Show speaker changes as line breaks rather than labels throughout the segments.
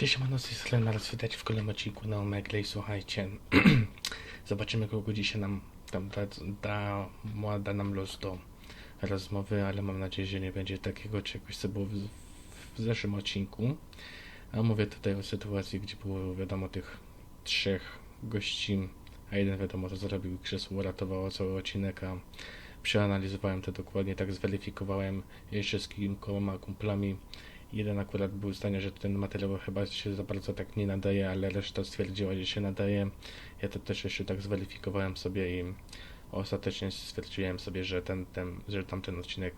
Siemano, z tej strony Mars, widać w kolejnym odcinku na Omegle i słuchajcie, zobaczymy kogo dzisiaj nam tam da nam los do rozmowy, ale mam nadzieję, że nie będzie takiego czegoś, co było w zeszłym odcinku. A mówię tutaj o sytuacji, gdzie było wiadomo tych trzech gości, a jeden wiadomo co zrobił, krzesło uratowało cały odcinek, a przeanalizowałem to dokładnie, tak zweryfikowałem jeszcze z kilkoma kumplami. Jeden akurat był zdania, że ten materiał chyba się za bardzo tak nie nadaje, ale reszta stwierdziła, że się nadaje. Ja to też jeszcze tak zweryfikowałem sobie i ostatecznie stwierdziłem sobie, że że tamten odcinek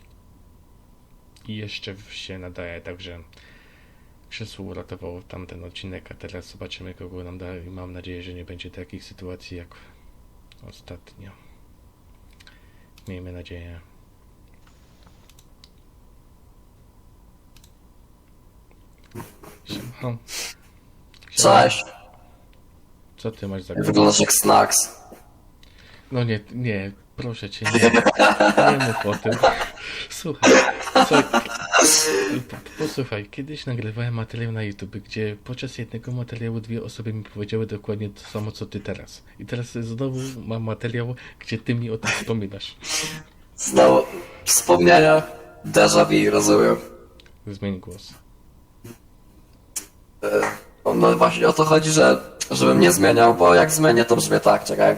jeszcze się nadaje, także krzesło uratował tamten odcinek, a teraz zobaczymy kogo nam da i mam nadzieję, że nie będzie takich sytuacji jak ostatnio. Miejmy nadzieję. Siema.
Cześć.
Co ty masz za
Wyglądasz jak Snacks.
No nie, proszę cię, nie mów o tym. Słuchaj, posłuchaj, kiedyś nagrywałem materiał na YouTube, gdzie podczas jednego materiału dwie osoby mi powiedziały dokładnie to samo, co ty teraz. I teraz znowu mam materiał, gdzie ty mi o tym wspominasz.
Znowu wspomnienia. Déjà vu, rozumiem.
Zmień głos.
No właśnie o to chodzi, żebym nie zmieniał, bo jak zmienię, to brzmi tak, czekaj.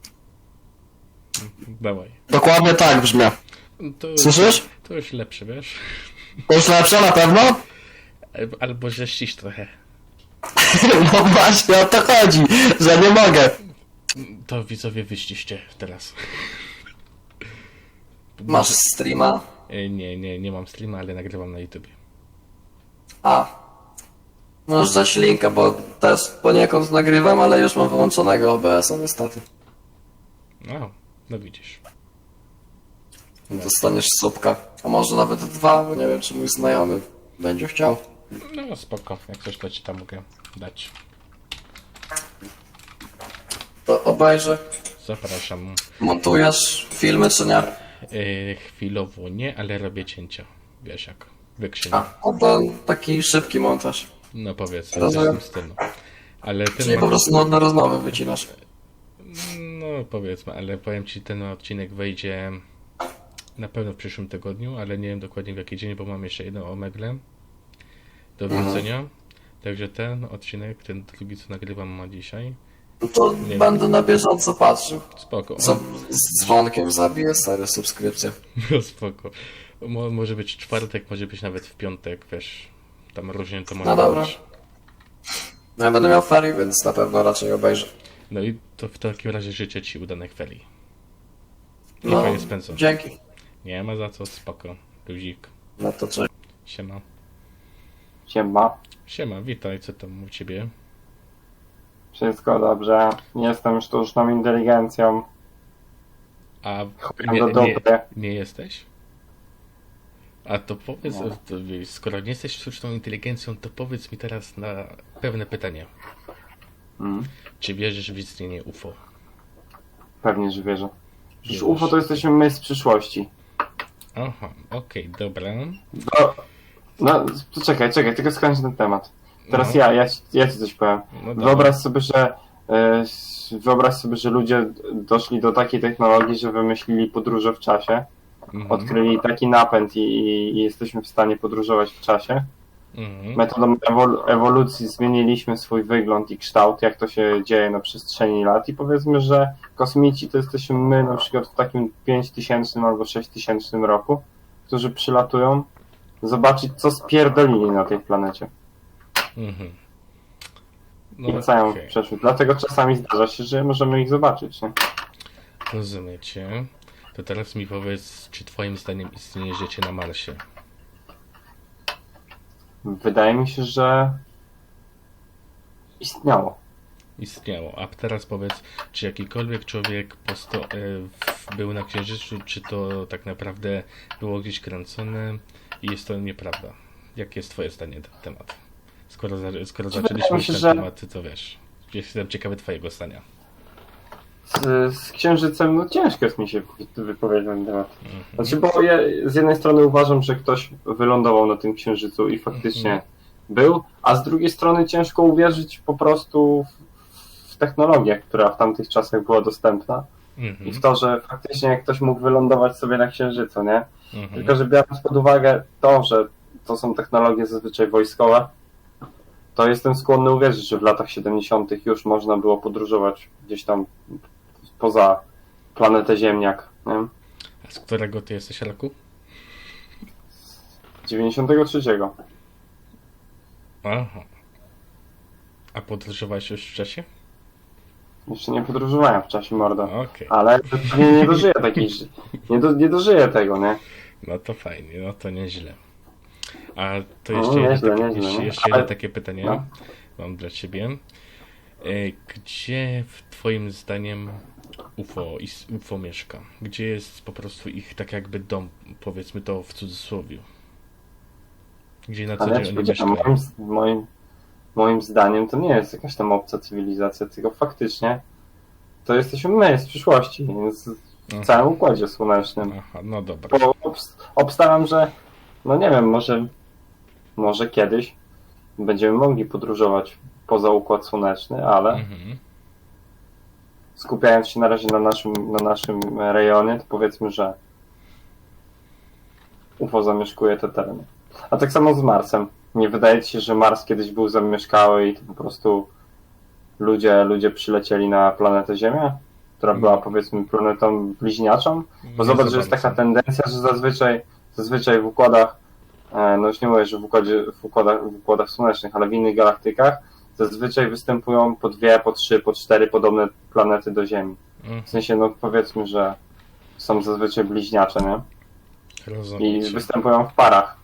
Dawaj.
Dokładnie tak brzmi. Słyszysz?
To już lepsze, wiesz?
To już lepsze na pewno?
Albo że ścisz trochę.
No właśnie o to chodzi, że nie mogę.
To widzowie wyściście teraz.
Masz streama?
Nie mam streama, ale nagrywam na YouTube.
A. Możesz dać linka, bo też poniekąd nagrywam, ale już mam wyłączonego OBS-a niestety.
No widzisz.
Dostaniesz słupka, a może nawet dwa, bo nie wiem czy mój znajomy będzie chciał.
No spoko, jak coś to ci tam mogę dać.
To obejrzę.
Zapraszam.
Montujesz filmy czy nie?
Chwilowo nie, ale robię cięcia. Wiesz jak, wykrzywię.
A, no to taki szybki montaż.
No powiedz,
Rozumiem.
w stylu. Ale ten
Czyli po prostu nudne rozmowy wycinasz.
No powiedzmy, ale powiem ci, ten odcinek wejdzie na pewno w przyszłym tygodniu, ale nie wiem dokładnie w jaki dzień, bo mam jeszcze jedno Omegle do wrzucenia. Także ten odcinek, ten drugi co nagrywam ma dzisiaj.
No to
Nie
będę na bieżąco patrzył.
Spoko.
Z dzwonkiem zabiję stare subskrypcje.
No spoko. Może być czwartek, może być nawet w piątek, wiesz. Tam różnie to może
No dobra.
być.
No ja będę miał ferie, więc na pewno raczej obejrzę.
No i to w takim razie życzę ci udanych ferii. I
No,
fajnie spędzą.
dzięki.
Nie ma za co, spoko. Luzik.
No to cześć.
Siema.
Siema.
Siema, witaj, co tam u ciebie?
Wszystko dobrze. Jestem sztuczną inteligencją.
A
Chujem do dupy.
nie jesteś? A to powiedz,
Nie.
skoro nie jesteś sztuczną inteligencją, to powiedz mi teraz na pewne pytanie. Czy wierzysz w istnienie UFO?
Pewnie, że wierzę. Przecież
Wierzysz.
UFO to jesteśmy my z przyszłości.
Aha, okej, dobra.
No, czekaj, tylko skończę ten temat. Teraz
No.
ja ci coś powiem.
No dobra.
Wyobraź sobie, że ludzie doszli do takiej technologii, że wymyślili podróże w czasie. Odkryli taki napęd i jesteśmy w stanie podróżować w czasie. Metodą ewolucji zmieniliśmy swój wygląd i kształt, jak to się dzieje na przestrzeni lat i powiedzmy, że kosmici to jesteśmy my na przykład w takim 5000 albo 6000 roku, którzy przylatują zobaczyć, co spierdolili na tej planecie.
No,
I wracają
okej.
w przeszłość. Dlatego czasami zdarza się, że możemy ich zobaczyć. Nie?
Rozumiecie. To teraz mi powiedz, czy twoim zdaniem istnieje życie na Marsie?
Wydaje mi się, że istniało.
Istniało. A teraz powiedz, czy jakikolwiek człowiek był na Księżycu, czy to tak naprawdę było gdzieś kręcone i jest to nieprawda? Jakie jest twoje zdanie na ten temat? Skoro zaczęliśmy
mi się,
ten
że-
temat, to wiesz, jestem ciekawy twojego zdania.
Z Księżycem, no ciężko jest mi się wypowiedzieć na ten temat. Znaczy, bo ja z jednej strony uważam, że ktoś wylądował na tym Księżycu i faktycznie był, a z drugiej strony ciężko uwierzyć po prostu w technologię, która w tamtych czasach była dostępna i w to, że faktycznie ktoś mógł wylądować sobie na Księżycu, nie? Tylko, że biorąc pod uwagę to, że to są technologie zazwyczaj wojskowe, to jestem skłonny uwierzyć, że w latach 70. już można było podróżować gdzieś tam poza planetę Ziemniak, nie?
A z którego ty jesteś roku?
93.
Aha. A podróżowałeś już w czasie?
Jeszcze nie podróżowałem w czasie, mordo.
Okej.
Ale pewnie nie dożyję takiej... Nie dożyję tego, nie?
No to fajnie, no to nieźle. A to
No,
jeszcze,
nieźle,
jeszcze
Ale-
jedno takie pytanie
no.
mam dla ciebie. Gdzie twoim zdaniem UFO mieszka? Gdzie jest po prostu ich tak jakby dom, powiedzmy to w cudzysłowie? Gdzie na co
Ale ja
dzień
ci
oni
powiedziałem,
mieszkają?
moim zdaniem to nie jest jakaś tam obca cywilizacja, tylko faktycznie to jesteśmy my z przyszłości, więc w całym Układzie Słonecznym.
Aha, no dobra.
Bo obstawiam, że no nie wiem, może kiedyś będziemy mogli podróżować poza Układ Słoneczny, ale
Mhm.
skupiając się na razie na naszym rejonie, to powiedzmy, że UFO zamieszkuje te tereny. A tak samo z Marsem. Nie wydaje ci się, że Mars kiedyś był zamieszkały i to po prostu ludzie przylecieli na planetę Ziemię, która była powiedzmy planetą bliźniaczą? Bo
Nie
zobacz,
za
że jest
bardzo.
taka tendencja, że zazwyczaj w układach, no już nie mówię, że w układach słonecznych, ale w innych galaktykach zazwyczaj występują po 2, po 3, po 4 podobne planety do Ziemi.
Mhm.
W sensie, no powiedzmy, że są zazwyczaj bliźniacze, nie?
Rozumiem
I
cię.
występują w parach.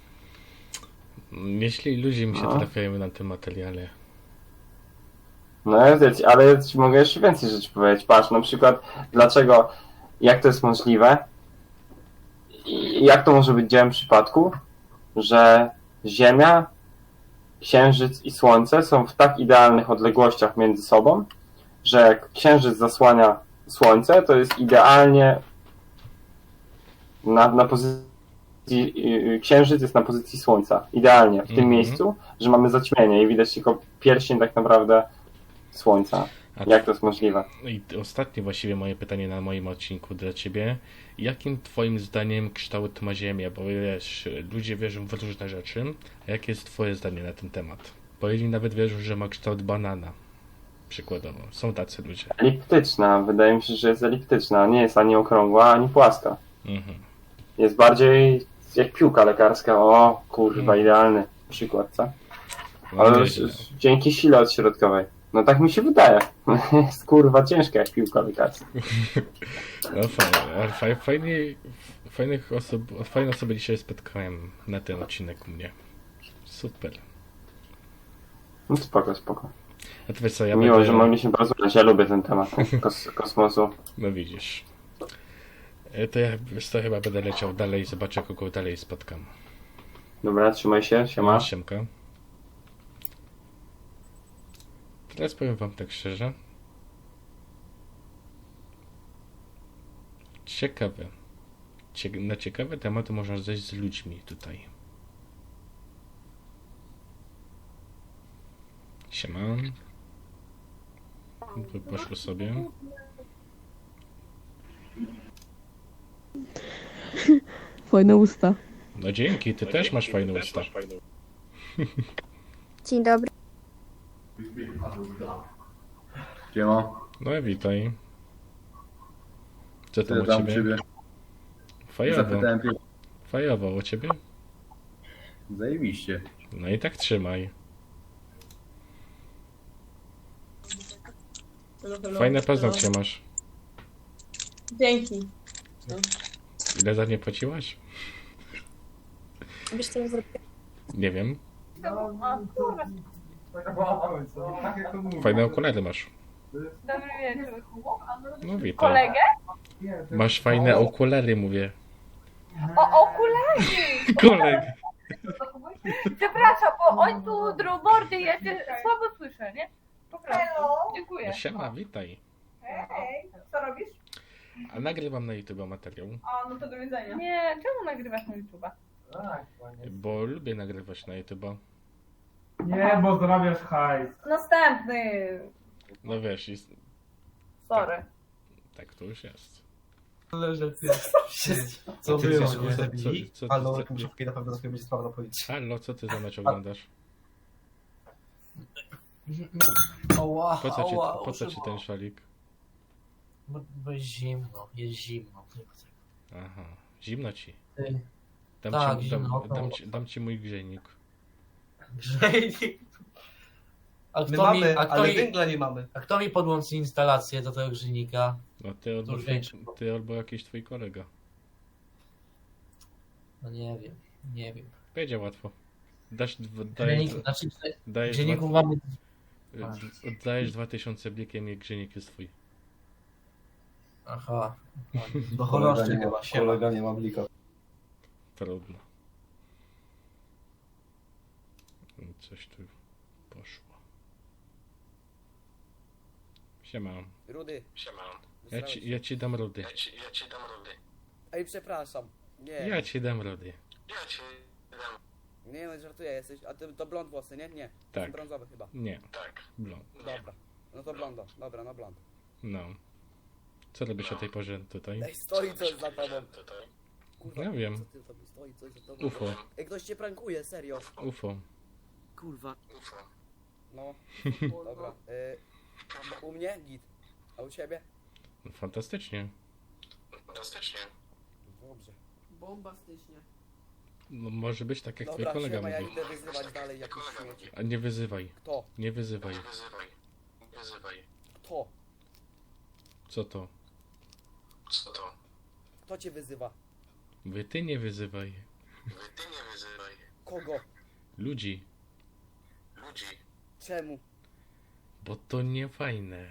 Jeśli ludzie mi się
No.
trafiają na tym materiale.
No ale ja ci mogę jeszcze więcej rzeczy powiedzieć. Patrz, na przykład, jak to jest możliwe i jak to może być dziełem przypadku, że Ziemia, Księżyc i Słońce są w tak idealnych odległościach między sobą, że jak Księżyc zasłania Słońce, to jest idealnie na pozycji, Księżyc jest na pozycji Słońca. Idealnie w tym
Mhm.
miejscu, że mamy zaćmienie i widać tylko pierścień tak naprawdę Słońca.
A
Jak to jest możliwe?
I ostatnie właściwie moje pytanie na moim odcinku dla ciebie. Jakim twoim zdaniem kształt ma Ziemia? Bo wiesz, ludzie wierzą w różne rzeczy. A jakie jest twoje zdanie na ten temat? Bo jedni nawet wierzą, że ma kształt banana. Przykładowo. Są tacy ludzie.
Eliptyczna. Wydaje mi się, że jest eliptyczna. Nie jest ani okrągła, ani płaska.
Mhm.
Jest bardziej jak piłka lekarska. O, kurwa, idealny przykład, co?
No,
Ale
nieźle.
dzięki sile odśrodkowej. No tak mi się wydaje. Jest kurwa ciężka jak piłka lekarska.
No fajnie, ale fajne osoby dzisiaj spotkałem na ten odcinek u mnie. Super.
No spoko.
A to wiesz co, ja
Miło,
będę...
że mogliśmy porozmawiać. Ja lubię ten temat kosmosu.
No widzisz. To ja wiesz co, chyba będę leciał dalej i zobaczę, kogo dalej spotkam.
Dobra, trzymaj się, siema.
Siemka. Teraz powiem wam tak szczerze. Ciekawe. Na ciekawe tematy można zejść z ludźmi tutaj. Siema. Poszło sobie.
Fajne usta.
No dzięki, ty też masz fajne usta.
Dzień dobry.
Siema,
No i witaj. Co tam
co
u
tam u
ciebie?
ciebie?
Fajowo.
Zapytałem pierwszy.
Fajowo u ciebie?
Zajebiście.
No i tak trzymaj. Fajne paznokcie masz.
Dzięki.
Ile za nie płaciłaś?
Wiesz co ja zrobię?
Nie wiem.
O, kurwa.
Fajne okulary masz.
Dobry wieczór.
No witaj.
Kolegę?
Masz fajne okulary, mówię.
O, okulary!
Koleg!
Przepraszam, bo on tu drugbordy jest, słabo słyszę, nie? Po prostu. Dziękuję.
Siema, witaj.
Hej, co robisz?
A nagrywam na YouTube materiał,
A, no to do widzenia.
Nie, czemu nagrywasz na YouTube'a?
bo lubię nagrywać na YouTube.
Nie, bo zarabiasz hajs.
Następny.
No wiesz,
Sorry.
tak to już jest.
Ale że ty...
A
Co
ty
było,
co-
nie?
co-
Zabili?
co-
Ale
co-
muszę na pewno sobie będzie sprawa powiedzieć.
Halo, co ty za mecz oglądasz?
Oła,
Po co ci ten szalik?
Bo jest zimno, Nie ma tego.
Aha, zimno ci.
Ty,
Dam,
Tak,
ci,
zimno,
dam ci mój grzejnik.
grzejnik. A
My
kto
mamy,
a kto
ale
mi,
węgla nie mamy.
a kto mi podłączy instalację do tego grzejnika?
No ty albo,
już większy.
ty albo jakiś twój kolega.
No nie wiem.
Będzie łatwo. Dajesz,
Grzejnik, znaczy,
dajesz,
grzejników mamy...
oddajesz 2000 blikiem i grzejnik jest twój.
Aha.
Do choroszczy chyba, kolega nie ma blika.
Trudno. Coś tu poszło. Siema.
Rudy.
Ja ci dam rudy.
Ej, przepraszam. Nie.
Ja ci dam rudy.
Nie no, żartuję, jesteś. A ty to blond włosy, nie? Nie.
Tak.
Są brązowe chyba.
Nie. Blond.
Dobra. No to blondo. Dobra, no blond.
No. Co robisz o tej porze tutaj?
Ej, stoi coś za tobą. Kurwa,
Ja wiem.
co ty tam stoi coś za tobą?
UFO.
Ej, ktoś cię prankuje, serio.
UFO.
Kurwa. No. Dobra. U mnie git. A u ciebie?
No, fantastycznie.
Dobrze.
Bombastycznie.
No, może być tak jak twój
Dobra,
kolega
siema, ja
mówi.
idę wyzywać dalej jakiś śmieci.
A nie wyzywaj.
Kto?
Nie wyzywaj.
Kto?
Co to?
Kto cię wyzywa?
Ty nie wyzywaj.
Kogo?
Ludzi.
Czemu?
Bo to nie fajne.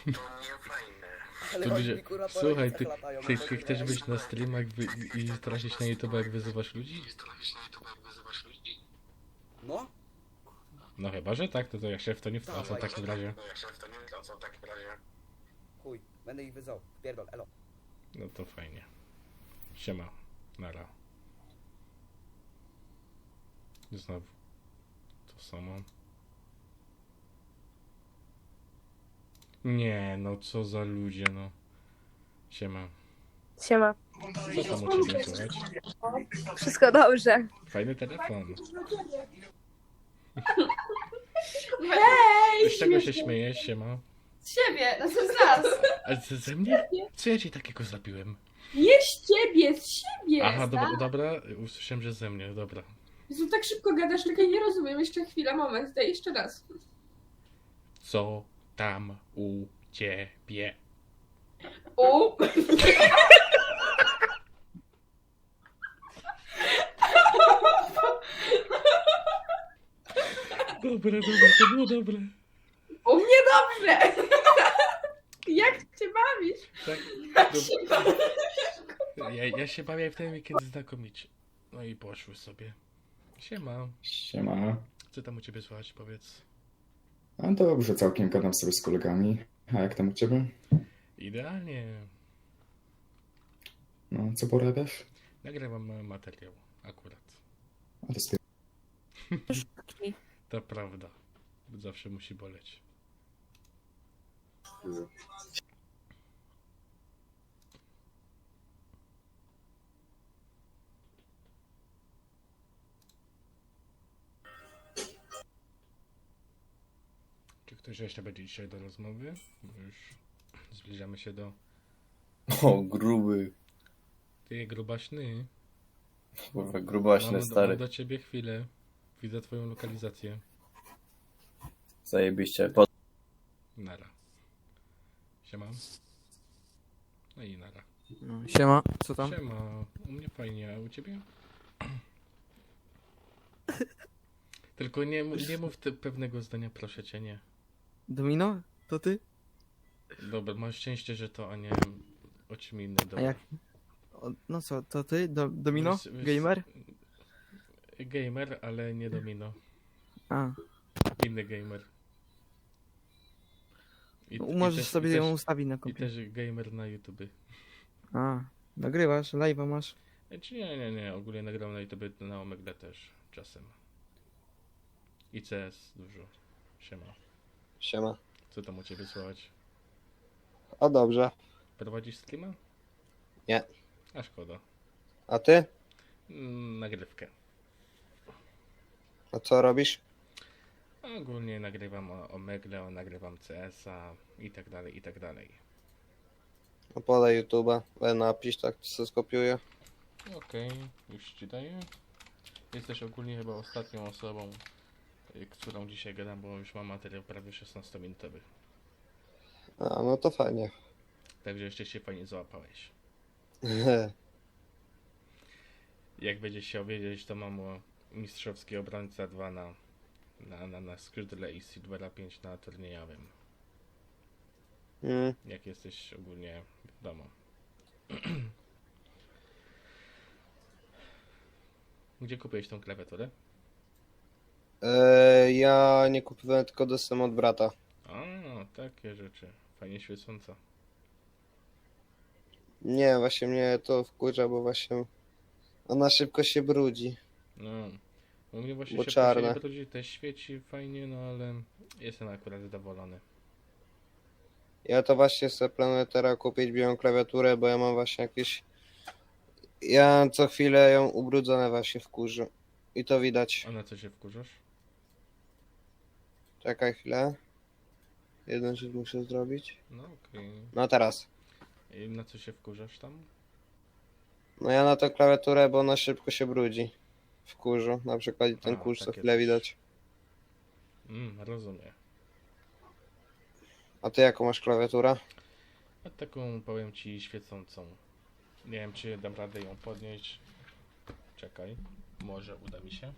Ale
Tu
oni
ludzie...
mi kurwa po
Słuchaj,
rodzicach latają,
ty
no to
chcesz
nie.
być na streamach i tracić na YouTube jak wyzywasz ludzi?
No?
No chyba, że tak, to ja się w to nie wtrącam w
Dawaj.
takim razie.
Chuj, będę ich wyzwał. Pierdol, elo.
No to fajnie. Siema. Nara. Znowu. To samo. Nie, no co za ludzie, no. Siema.
Siema.
Co tam u ciebie słychać?
Wszystko dobrze.
Fajny telefon.
Hej!
Z czego się śmiejesz, siema?
Z siebie, no z nas.
A ze mnie? Co ja ci takiego zrobiłem?
Nie z ciebie, z siebie.
Aha, dobra, usłyszałem, że ze mnie, dobra.
Jezu, tak szybko gadasz, czekaj, nie rozumiem. Jeszcze chwilę, moment, daj jeszcze raz.
Co tam u ciebie?
U.
Dobra, to było dobre.
U mnie dobrze. Jak cię bawisz?
Tak,
Jak się bawisz?
ja się bawię w ten weekend znakomicie. No i poszły sobie. Siema.
Siema.
Co tam u ciebie słychać, powiedz?
A dobrze, całkiem gadam sobie z kolegami. A jak tam u ciebie?
Idealnie.
No, co porabiasz?
Nagrywam materiał, akurat.
A to jest...
To prawda. Zawsze musi boleć. Czy ktoś jeszcze będzie dzisiaj do rozmowy? Bo już zbliżamy się do...
O, gruby.
Ty, grubaśny.
Kurwa, grubaśny,
Mam
stary.
do ciebie chwilę. Widzę twoją lokalizację.
Zajebiście.
Nara. Siema. No i nara.
Siema, co tam?
Siema. U mnie fajnie, a u ciebie? Tylko nie mów pewnego zdania, proszę cię, nie.
Domino? To ty?
Dobra, masz szczęście, że to, a nie o czym innym.
A
Dobra.
jak? No co, to ty? Domino? Gamer?
Gamer, ale nie Domino.
A.
Inny gamer.
Możesz sobie ją ustawić na
I
komputerze.
też gamer na YouTube.
A, nagrywasz, live'a masz.
Czy nie, ogólnie nagram na YouTube na Omegle też czasem. I CS dużo. Siema.
Siema.
Co tam u ciebie słychać?
O dobrze.
Prowadzisz streama?
Nie.
A szkoda.
A ty?
Nagrywkę.
A co robisz?
Ogólnie nagrywam o Megle, nagrywam CS-a i tak dalej, i tak dalej.
No podaj YouTube'a. Napisz, tak co skopiuję.
Okej, już ci daję. Jesteś ogólnie chyba ostatnią osobą, którą dzisiaj gadam, bo już mam materiał prawie 16-minutowy.
A, no to fajnie.
Także jeszcze się fajnie załapałeś. Jak będziesz chciał wiedzieć, to mam mistrzowski obrońca 2 na skrzydle i Silvera 5 na turniejowym. Jak jesteś ogólnie wiadomo. Gdzie kupiłeś tą klawiaturę?
Ja nie kupowałem, tylko dostałem od brata.
A, takie rzeczy. Fajnie świecąca.
Nie, właśnie mnie to wkurza, bo właśnie ona szybko się brudzi.
No, u mnie właśnie
Bo
się
czarne.
brudzi, też świeci fajnie, no ale jestem akurat zadowolony.
Ja to właśnie sobie planuję teraz kupić białą klawiaturę, bo ja mam właśnie jakieś... Ja co chwilę ją ubrudzone właśnie wkurzę. I to widać.
A na co się wkurzasz?
Czekaj chwilę. Jeden rzecz muszę zrobić.
No okej.
No teraz.
I na co się wkurzasz tam?
No ja na tę klawiaturę, bo ona szybko się brudzi. W kurzu. Na przykład ten
A,
kurz co
takie
chwilę
coś.
widać.
Rozumiem.
A ty jaką masz klawiaturę?
A taką powiem ci świecącą. Nie wiem czy dam radę ją podnieść. Czekaj. Może uda mi się.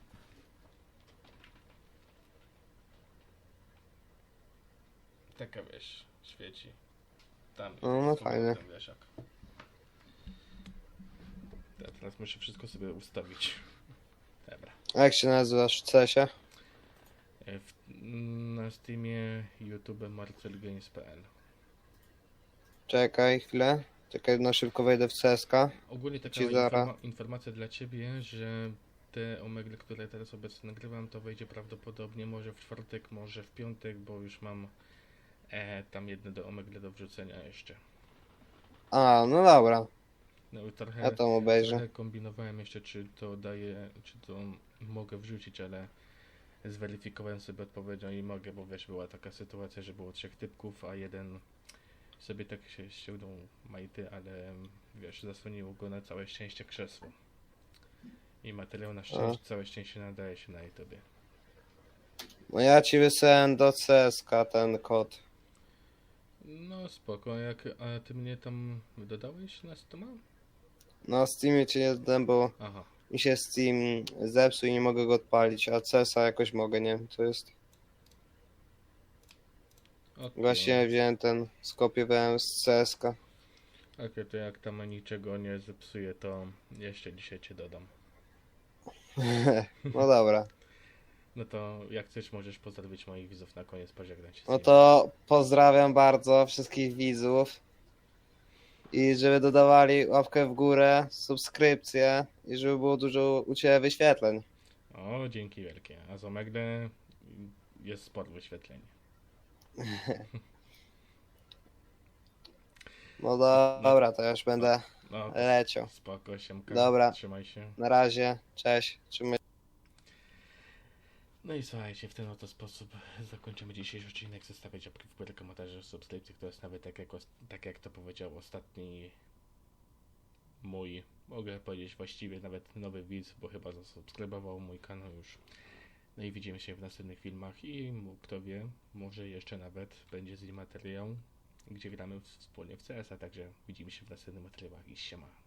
Taka wiesz, świeci. Tam
No
jest
fajnie.
ten wieszak. Ja teraz muszę wszystko sobie ustawić. Dobra.
A jak się nazywasz w CS-ie?
Na Steamie, YouTube, marcelgames.pl.
Czekaj chwilę. Czekaj, no szybko wejdę w CSK.
Ogólnie taka
Ci zara.
informacja dla ciebie, że te omegle, które teraz obecnie nagrywam, to wejdzie prawdopodobnie może w czwartek, może w piątek, bo już mam tam jedne do omegle do wrzucenia jeszcze.
A, no dobra.
No i trochę,
Ja tam obejrzę.
trochę kombinowałem jeszcze, czy to daję, czy to mogę wrzucić, ale zweryfikowałem sobie odpowiedzią i mogę, bo wiesz, była taka sytuacja, że było 3 typków, a jeden sobie tak się ściągnął majty, ale wiesz, zasłoniło go na całe szczęście krzesło. I materiał na szczęście, całe szczęście nadaje się na YouTubie.
No ja ci wysłałem do CSK ten kod.
No spoko, a ty mnie tam dodałeś na Steama?
Na Steamie cię nie dodałem, bo
Aha.
mi się Steam zepsuł i nie mogę go odpalić, a CS-a jakoś mogę, nie wiem co jest.
Okay.
Właśnie wziąłem ten, skopiowałem z CSK.
Okej, to jak tam niczego nie zepsuje, to jeszcze dzisiaj cię dodam.
No dobra.
No to jak chcesz, możesz pozdrowić moich widzów na koniec, pożegnać się z
No
nimi.
to pozdrawiam bardzo wszystkich widzów. I żeby dodawali łapkę w górę, subskrypcję i żeby było dużo u Ciebie wyświetleń.
O, dzięki wielkie. A za Magdę jest sporo wyświetleń.
No dobra, to ja już będę leciał.
Spoko, siemka.
Dobra.
Trzymaj się.
Na razie, cześć. Trzymaj.
No i słuchajcie, w ten oto sposób zakończymy dzisiejszy odcinek. Zostawiać łapki w górę, komentarze, subskrypcje. To jest nawet tak jak to powiedział ostatni mój, mogę powiedzieć właściwie nawet nowy widz, bo chyba zasubskrybował mój kanał już. No i widzimy się w następnych filmach i kto wie, może jeszcze nawet będzie z nim materiał, gdzie gramy wspólnie w CS-a, także widzimy się w następnych materiałach i siema.